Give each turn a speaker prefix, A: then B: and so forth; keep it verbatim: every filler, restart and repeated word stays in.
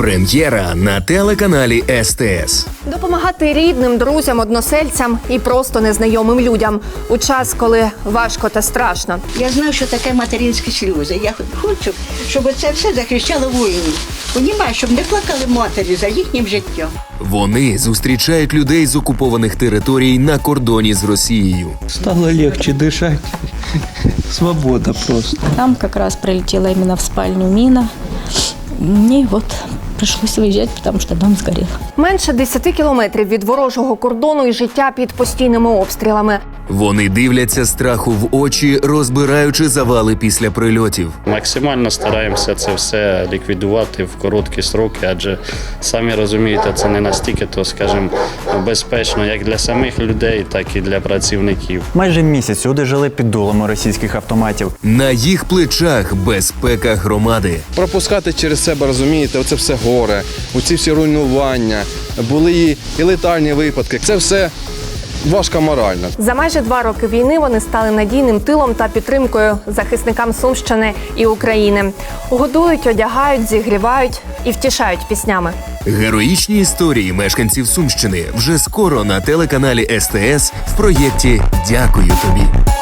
A: Прем'єра на телеканалі Ес Те Ес.
B: Допомагати рідним, друзям, односельцям і просто незнайомим людям у час, коли важко та страшно.
C: Я знаю, що таке материнські сльози. Я хочу, щоб це все захищало воїнів. Понімаю, щоб не плакали матері за їхнім життям.
A: Вони зустрічають людей з окупованих територій на кордоні з Росією.
D: Стало легче дышать. Свобода просто.
E: Там как раз прилетела именно в спальню мина. Мне вот пришлось выезжать, потому что дом сгорел.
B: Менше десяти кілометрів від ворожого кордону і життя під постійними обстрілами.
A: Вони дивляться страху в очі, розбираючи завали після прильотів.
F: Максимально стараємося це все ліквідувати в короткі строки, адже самі розумієте, це не настільки, то, скажімо, безпечно як для самих людей, так і для працівників.
G: Майже місяць люди жили під дулами російських автоматів.
A: На їх плечах безпека громади.
H: Пропускати через себе, розумієте, оце все горе, оці всі руйнування, були і, і летальні випадки. Це все важко морально.
B: За майже два роки війни вони стали надійним тилом та підтримкою захисникам Сумщини і України. Годують, одягають, зігрівають і втішають піснями.
A: Героїчні історії мешканців Сумщини вже скоро на телеканалі Ес Те Ес в проєкті «Дякую тобі».